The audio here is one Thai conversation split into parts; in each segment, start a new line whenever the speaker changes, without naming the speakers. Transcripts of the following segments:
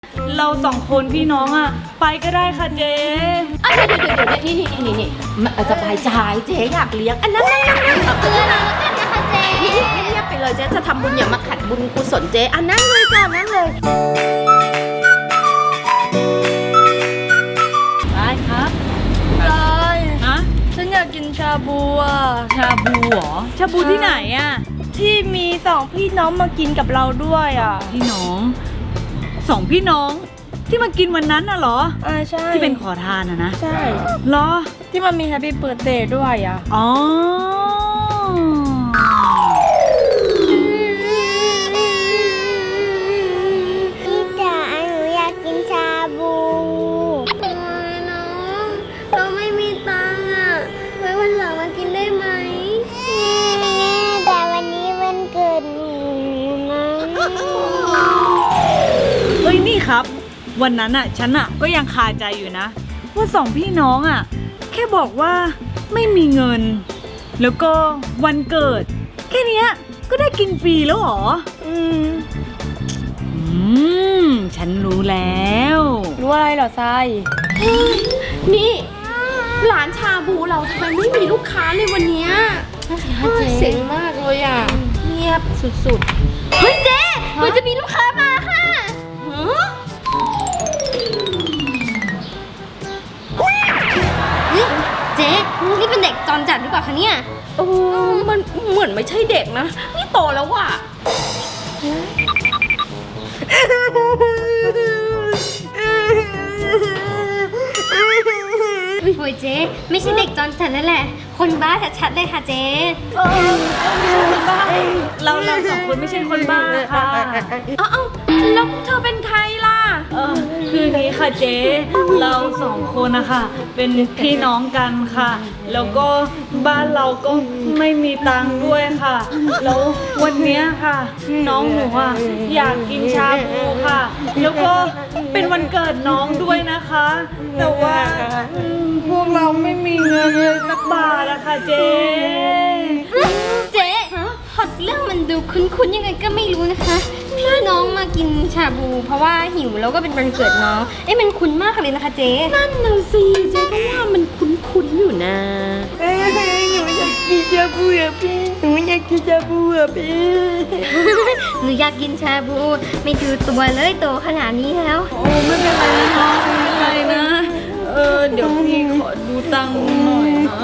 เราสองคนพี่น้องอ่ะไปก็ได้ค่ะเจ๊
เดี๋ยวนี่สบายใจเจ๊อยากเลี้ยงอันนั้นเตือนเราแล้วกันนะคะเจ๊เงียบไปเลยเจ๊จะทำบุญอย่ามาขัดบุญกุศลเจ๊อันนั้นเลยจ้ะนั่นเลย
ได้ครับ
ได้
ฮะ
ฉันอยากกินชาบูอ่ะ
ชาบูเหรอชาบูที่ไหนอ่ะ
ที่มีสองพี่น้องมากินกับเราด้วยอ่ะ
พี่น้องสองพี่น้องที่มากินวันนั้นน่ะเหรอ
ใช่
ที่เป็นขอทานนะ
ใช่
เหรอ
ที่มันมีแฮปปี้เบิร์ธเดย์ด้วยอ่ะ
อ๋อ
พี่จ๋าหนูอยากกินชาบูน้องเราไม่มีตังค์อ่ะไว้วันหลังมากินได้ไหมแต่วันนี้วันเกิดหนูนะ
เฮ้ยนี่ครับวันนั้นอ่ะฉันอ่ะก็ยังคาใจอยู่นะว่าสองพี่น้องอ่ะแค่บอกว่าไม่มีเงินแล้วก็วันเกิดแค่เนี้ยก็ได้กินฟรีแล้วเหรอฉันรู้แล้ว
รู้อะไรเหรอทราย
นี่ร้านชาบูเราทำไมไม่มีลูกค้าเลยวันเนี้ยเสียงมากเลยอ่ะเงียบสุดๆเฮ้ยเจ๊มันจะมีลูกค้ามาค่ะ
นี่เจ๊นี่เป็นเด็กจรจัดหรือเปล่าคะเนี่ย
มันเหมือนไม่ใช่เด็กนะนี่โตแล้วว่ะ
โอ้ยเจ๊ไม่ใช่เด็กจรจัดนั่นแหละคนบ้าชัดๆเลยค่ะเจ๊
เราสองคนไม่ใช่คนบ้าค่ะ
แล้วเธอเป็นใครล่ะ
คืออย่างนี้ค่ะเจ๊เราสองคนนะคะเป็นพี่น้องกันค่ะแล้วก็บ้านเราก็ไม่มีตังค์ด้วยค่ะแล้ววันนี้ค่ะน้องหนูอ่ะอยากกินชาบูค่ะแล้วก็เป็นวันเกิดน้องด้วยนะคะแต่ว่าพวกเราไม่มีเงินเลยสักบาทอะค่ะเจ๊
เจ๊พอเรื่องมันดูคุ้นๆยังไงก็ไม่รู้นะคะถ้าน้องมากินชาบูเพราะว่าหิวแล้วก็เป็นวันเกิดน้องมันคุ้นมากเลยนะคะเจ๊
นั่นน่ะสิเจ๊ก็ว่ามันคุ้นๆอยู่นะ
หนูอยากกินชาบูอ่ะพี่หนูอยากกินชาบูอ่ะพี่
หนูอยากกินชาบูไม่ดูตัวเลยโตขนาดนี้แล้ว
โอ้ไม่เป็นไรนะน้องไม่เป็นไรนะเดี๋ยวพี่ขอดูตังค์หน่อยนะ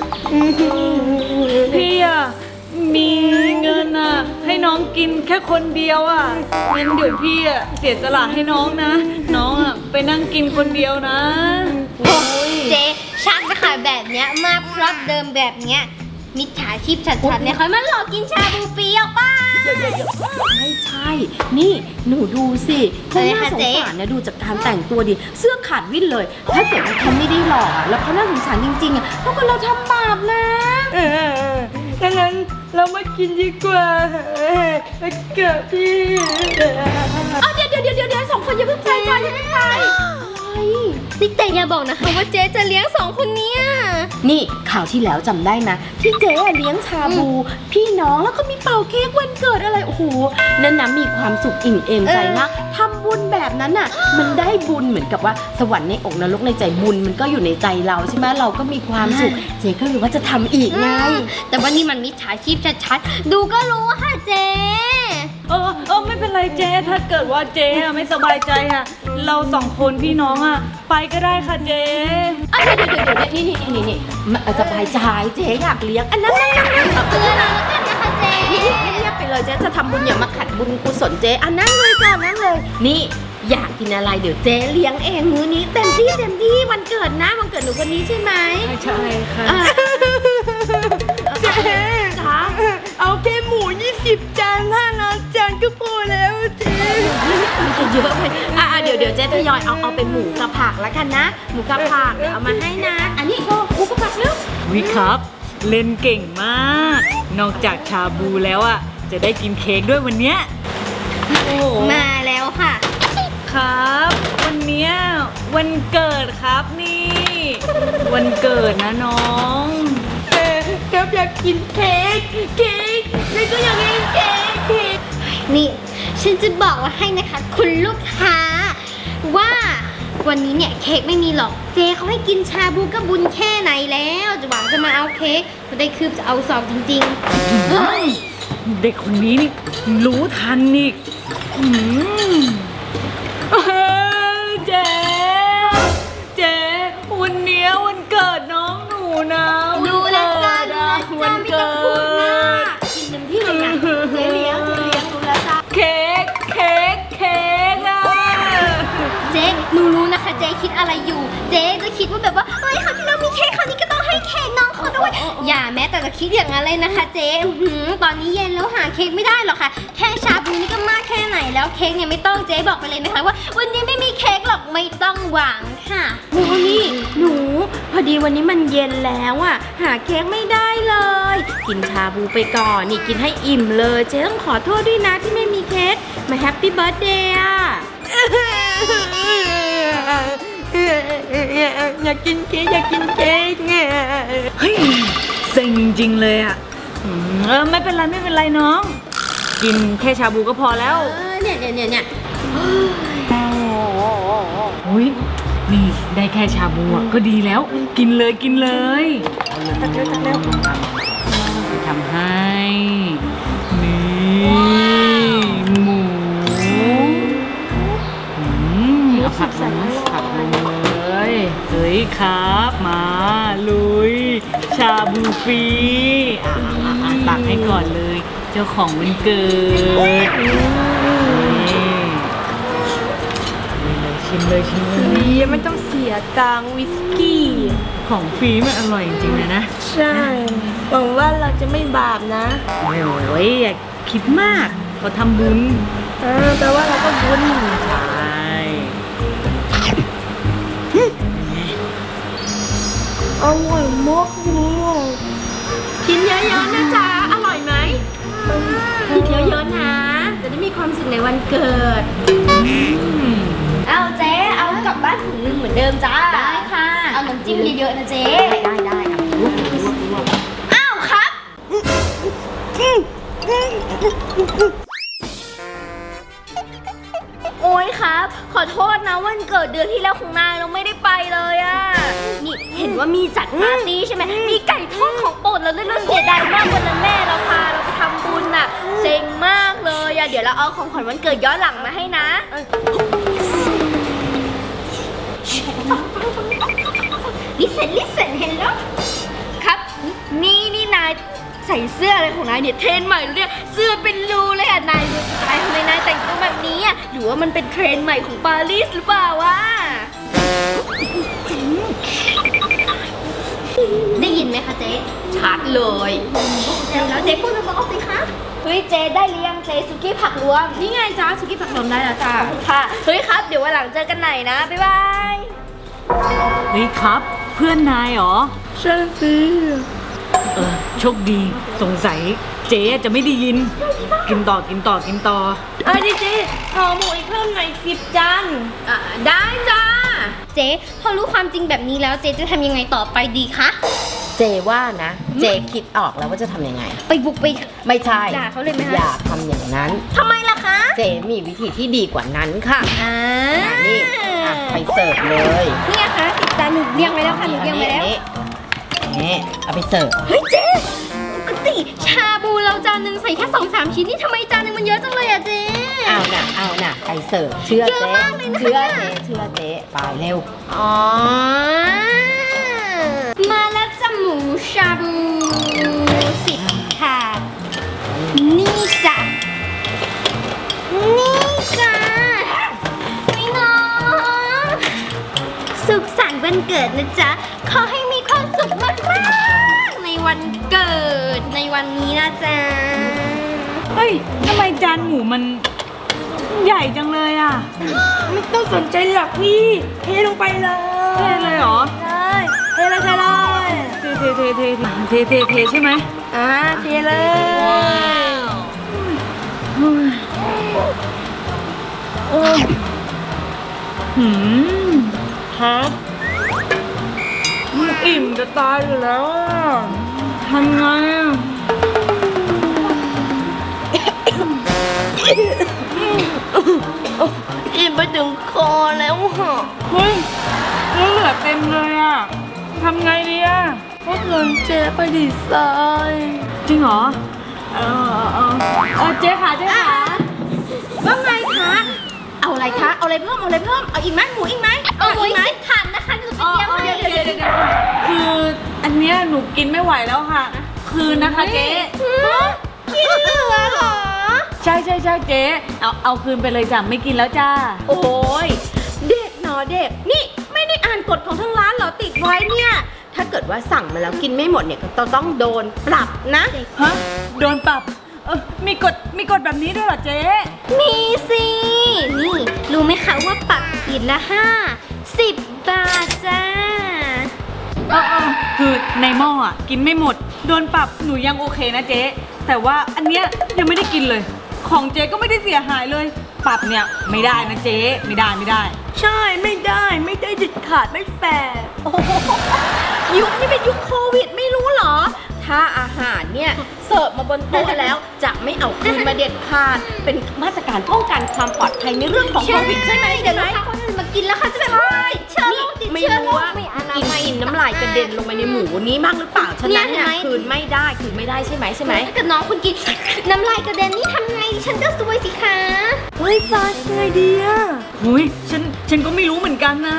พี่อะมีเงินอะให้น้องกินแค่คนเดียวอะงั้นเดี๋ยวพี่อะเสียสละให้น้องนะน้องอะไปนั่งกินคนเดียวนะ
เจ๊ชักจะขายแบบเนี้ยมาพร็อพเดิมแบบเนี้ยมิจฉาชีพชัดๆเนี่ยเขามาหลอกกินชาบูฟรีออกป่ะ
ไม่ใช่นี่หนูดูสิเขาน่าสงสารนะดูจากการแต่งตัวดิเสื้อขาดวิ่นเลยถ้าเกิดว่าเขาไม่ได้หลอกแล้วเขาน่าสงสารจริงๆอะเพราะคนเราทำบาปนะ
ดังนั้นเรามากินดีกว่าเกิดพี่
เดี๋ยวสองคนอย่าเพิ่งไปก่อนอย่าเพิ่งไป
นี่แต่อย่าบอกนะคะว่าเจ๊จะเลี้ยงสองคนเนี้ย
นี่ข่าวที่แล้วจำได้ไหมที่เจ๊เลี้ยงชาบูพี่น้องแล้วก็มีเป่าเค้กวันเกิดอะไรโอ้โหนั่นนะมีความสุขอิ่มเอมใจมากทำบุญแบบนั้นน่ะมันได้บุญเหมือนกับว่าสวรรค์ในอกนรกในใจบุญมันก็อยู่ในใจเราใช่ไหมเราก็มีความสุขเจ๊ก็เลยว่าจะทำอีกไง
แต่ว่านี่มันมิจฉาชีพชัดๆดูก็รู้ค่ะเจ๊
ไม่เป็นไรเจ๊ถ้าเกิดว่าเจ๊ไม่สบายใจอะเราสองคนพี่น้องอะไปก็ได้ค่ะเจ๊
เดี๋ยวนี่สบายใจเจ๊อยากเลี้ยงอันนั้น
เตือนเราแล้วกันนะคะเจ๊
เงียบไปเลยเจ๊จะทำบุญอย่ามาขัดบุญกุศลเจ๊อันนั้นเลยจ้ะนั่นเลยนี่อยากกินอะไรเดี๋ยวเจ๊เลี้ยงเองมื้อนี้เต็มที่วันเกิดนะวันเกิดหนูวันนี้ใช่ไหม
ใช่ค่ะ
เจ๊เอาแค่หมู20 จาน5 จานก็พอแล้วเจ๊
มันจะเยอะไปเดี๋ยวเจ๊ทยอยเอาเป็นหมูกับผักแล้วกันนะหมูกับผักเดี๋ยวเอามาให้นะอันนี้หมูกับผักแล้ว
วิครับเล่นเก่งมากนอกจากชาบูแล้วอะจะได้กินเค้กด้วยวันเนี้ย
มาแล้วค่ะ
ครับวันเนี้ยวันเกิดครับนี่วันเกิดนะน้อง
ครับอยากกินเค้กแล้วก็อยากกินเค้ก
นี่ฉันจะบอกว่าให้นะคะคุณลูกค้าวันนี้เนี่ยเค้กไม่มีหรอกเจ๊เขาให้กินชาบูก็บุญแค่ไหนแล้วจะหวังจะมาเอาเค้กจะได้คืบจะเอาสองจริงๆเฮ้ย
เด็กคนนี้นี่รู้ทันอีกเจ๊วันเนี้ยวันเกิดน้องหนูนะ
ดูแลจ้า
วัน
ไม่
เกิ
ต้องพูด
ด
มากกินเต็มที่เลยนะเจ๊เลี้ยงดูแลจ้า
เค้กอ่ะ
เจ๊หนูรู้นะคะเจ๊คิดอะไรอยู่ เจ๊จะคิดว่าแบบว่าเฮ้ยคราวที่แล้วมีเค้กคราวนี้ก็ต้องให้เค้กน้องเขาด้วยอย่าแม้แต่จะคิดอย่างนั้นเลยนะคะเจ๊ตอนนี้เย็นแล้วหาเค้กไม่ได้หรอกค่ะแค่ชาบูนี่ก็มากแค่ไหนแล้วเค้กเนี่ยไม่ต้องเจ๊บอกไปเลยนะคะว่าวันนี้ไม่มีเค้กหรอกไม่ต้องหวังค่ะ
โอ้นี่หนูพอดีวันนี้มันเย็นแล้วอ่ะหาเค้กไม่ได้เลย กินชาบูไปก่อนนี่กินให้อิ่มเลยเจ๊ต้องขอโทษด้วยนะที่ไม่มีเค้กมาแฮปปี้เบิร์ธเดย์อ่ะ
อยากกินเค้กอยากกินเค้กเนี่ย
เฮ้ยเซ็งจริงเลยอ่ะไม่เป็นไรน้อง กินแค่ชาบูก็พอแล้ว
เนี่ย
อุ้ยนี่ได้แค่ชาบูอะก็ดีแล้ว กินเลยตักเร็วทำให้นี่หมูเอาผักลงเลยเฮ้ยครับมาลุยชาบูฟรีตักให้ก่อนเลยเจ้าของวันเกิดชิมเลย
ดีไม่ต้องเสียตังค์วิสกี้
ของฟรีมันอร่อยจริงๆเลยนะ
ใช่หวังว่าเราจะไม่บาปนะ
โอ้ยอย่าคิดมากเขาทำบุญ
แปลว่าเราก็บุญ
ใช่
อร่อยมากเลย
กินเยอะๆนะจ๊ะอร่อยไหมกินเยอะๆนะจะได้มีความสุขในวันเกิด
เอาเจ๊เอากลับบ้านถุงนึงเหมือนเดิมจ้า
ได้ค่ะ
เอาน้ำจิ้มเยอะๆนะเจ๊
ได้ค่ะ
อ้าวครับ โอ้ยครับ ขอโทษนะวันเกิดเดือนที่แล้วของนายเราไม่ได้ไปเลยอะนี่เห็นว่ามีจัดปาร์ตี้ใช่ไหมมีไก่ทอดของโปรดเราด้วยเราเสียดายมากวันนั้นแม่เราพาเราไปทำบุญน่ะเซ็งมากเลยอะเดี๋ยวเราเอาของขวัญวันเกิดย้อนหลังมาให้นะ ลิเซนเห็นแล้วครับนี่นายใส่เสื้ออะไรของนายเนี่ยเทรนด์ใหม่เลยเสื้อเป็นรูเลยอ่ะนายดูสไตล์ทำไมนายแต่งตัวแบบนี้อ่ะหรือว่ามันเป็นเทรนด์ใหม่ของปารีสหรือเปล่าวะได้ยินไหมคะเจ๊
ชัดเลย
แล้วเจ๊พูดมาบอกสิคะเฮ้ยเจ๊ได้หรือยังเจ๊สุกี้ผักรวม
นี่ไงจ้าสุกี้ผักลมได้แล้วจ้า
ค่ะเฮ้ยครับเดี๋ยววันหลังเจอกันใหม่นะบ๊ายบาย
เฮ้ยครับ เพื่อนนายเหรอ
ใช่สิ
โชคดีสงสัยเจ๊จะไม่ได้ยิน กินต่อ
เจ๊ห่อหมูอีกเพิ่มหน่อย10 จาน
ได้จ้า
เจ๊พอรู้ความจริงแบบนี้แล้วเจ๊จะทำยังไงต่อไปดีคะ
เจว่านะ เจคิดออกแล้วว่าจะทำยังไง
ไปบุกไป
ไม่ใช่
ด่าเขาเลยไหมคะ
อย่าทำอย่างนั้น
ทำไมล่ะคะ
เจมีวิธีที่ดีกว่านั้นค่ะ
อ่า
นี่ไปเสิร์ฟเลย
นี่ไงคะ10 จานหนูเรียงไว้แล้วค่ะหนูเรียงไว้แล้ว
นี่เอาไปเสิร์ฟ
เฮ้ยเจ๊ปกติชาบูเราจานหนึ่งใส่แค่2-3 ชิ้นนี่ทำไมจานหนึงมันเยอะจังเลยอะเจ๊
เอาน่ะไปเสิร์ฟเชื่อ
เยอะ
เจ๊
มากเลยนะคะ
เชื่อเจ๊ไปเร็ว
อ๋อ มาแล้วจ้ะหมูชาบู10 ค่ะ นี่จ้ะ นี่จ้ะพี่น้องสุขสันต์วันเกิดนะจ๊ะ ขอให้มีความสุขมากๆในวันเกิดในวันนี้นะจ๊ะ
เฮ้ยทำไมจานหมูมันใหญ่จังเลยอ่ะ
ไม่ต้องสนใจหรอกพี่เทลงไปเลย
เทเลยเหรอ
ใช่เทเลย
เทใช่ไหม
เทเลย
ครับอิ่มจะตายอยู่แล้วอ่ะทำไงอ่ะ
อิ่มไปถึงคอแล้วฮะ
เฮ้ยแล้วเหลือเต็มเลยอะทำไงดีอะ
พวกเงินเจ๊ไปดีไซน์
จริงเหรอเจ๊ค่ะเจ๊ค่ะ
ว่าไงคะ เอาอะไรคะ เอาอะไรเพิ่ม เอาอะไรเพิ่ม เอาอีกไหมหมูอีกไหม
เอาหมู
อีกไหม
10 ขันนะคะหนูไปเตรียมให้
เดี๋ยวคืออันเนี้ยหนูกินไม่ไหวแล้วค่ะ คืนนะคะเจ๊
กินเหลือเหรอ
ใช่เจ๊เอาคืนไปเลยจ้ะไม่กินแล้วจ้า
โอ้ยเด็กเนาะเด็ก นี่ไม่ได้อ่านกฎของทางร้านเหรอติดไว้เนี่ย ถ้าเกิดว่าสั่งมาแล้วกินไม่หมดเนี่ยก็ต้องโดนปรับนะ
ฮะโดนปรับมีกฎแบบนี้ด้วยเหรอเจ๊
มีสิ นี่รู้ไหมคะว่าปักขีดละ10 บาทจ้า
คือในหม้ออ่ะกินไม่หมดโดนปรับหนูยังโอเคนะเจ๊แต่ว่าอันเนี้ยยังไม่ได้กินเลย ของเจ๊ก็ไม่ได้เสียหายเลย ปรับเนี่ยไม่ได้นะเจ๊ไม่ได้
ใช่ไม่ได้เด็ดขาดไม่แฟร์
โอ้โหยุคนี้เป็นยุคโควิดไม่รู้เหรอ ถ้าอาหารเนี่ยเสิร์ฟมาบนโต๊ะแล้วจะไม่เอาคืนมาเด็ดขาด เป็นมาตรการป้องกันความปลอดภัยในเรื่องของโควิดใช่ไหม
เดี๋ยวลูกค้าคนอื่นมากินแล้วค่ะจะแบบติดเชื้อโรคติด
ไม่
เชื้อ
รู้
โรค
ว่า
ไม่อนา
กิน
มัย
กินน้ำลายกระเด็นลงไปในหมูนี้มากหรือเปล่าฉะนั้นเนี่ย
เนี่ยเห็นไหม
คืนไม่ได้ใช่ไหม
ถ้าเกิดน้องคุณกินน้ำลายกระเด็นนี่ทำไงฉันก็ซวยสิคะ
เฮ้ยฟ้าไงดีอะ
หุยฉันก็ไม่รู้เหมือนกันนะ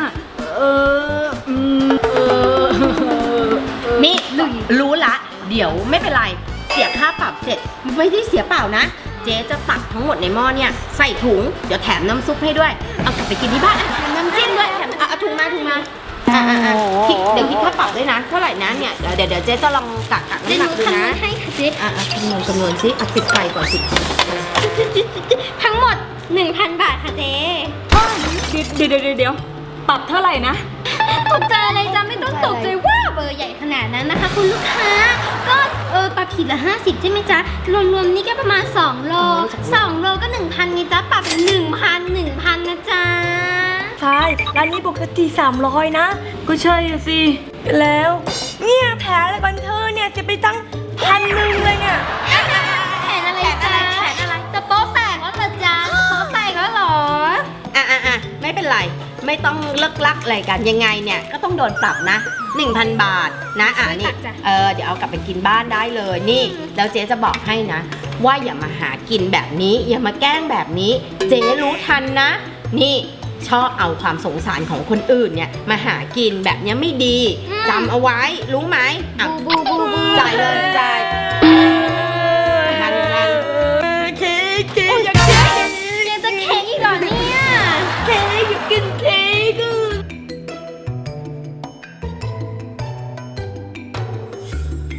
นี่รู้ละ เดี๋ยวไม่เป็นไร เสียค่าปรับเสร็จไม่ได้เสียเปล่านะ เจ๊จะตักทั้งหมดในหม้อเนี่ยใส่ถุงเดี๋ยวแถมน้ำซุปให้ด้วย เอากลับไปกินที่บ้านแถมน้ำจิ้มด้วยแถมเอาถุงมาเดี๋ยวคิดค่าปรับด้วยนะเท่าไหร่นะเนี่ยเดี๋ยวเจ๊จะลองกัก
เดี๋ยว
น้ำ
ห
หนั
นู
กดู
คำนว
นะ
ณให้ค่ะเจ๊
คำนวณซิปิดไฟก่อนสิ
ทั้งหมด 1,000 บาทค่ะเจ๊
เดี๋ยวปรับเท่าไหร่นะ
ตกใจอะไรจ้ะไม่ต้องตกใจว่าเบอร์ใหญ่ขนาดนั้นนะคะ คุณลูกค้า ก็ปรับขีดละ50ใช่ไหมจ๊ะรวมๆนี่ก็ประมาณ2 โล 2 โลก็ 1,000ไงจ๊ะปรับเป็น1,000นะจ๊ะ
ใช่ร้านนี้ปกติ300นะ
ก็ใช่อะสิ
แล้วเนี่ยแผลอะไรบันเทอร์เนี่ยจะไปตั้ง1,000เลยเนี่ย
แผนอะไรจ๊ะจะโป๊ะแตกแล้วเหรอจ๊ะโป๊ะแตกแล้วเหรอ
ไม่เป็นไรไม่ต้องเลิกลักอะไรกันยังไงเนี่ยก็ต้องโดนปรับนะ 1,000 บาทนะนี่
จ้ะ
เดี๋ยวเอากลับไปกินบ้านได้เลยนี่แล้วเจ๊จะบอกให้นะ ว่าอย่ามาหากินแบบนี้อย่ามาแกล้งแบบนี้ เจ๊รู้ทันนะ นี่ชอบเอาความสงสารของคนอื่นเนี่ยมาหากินแบบเนี้ยไม่ดีจำเอาไว้รู้ไหมอ่ะ
บู
จ่ายเลยจ่าย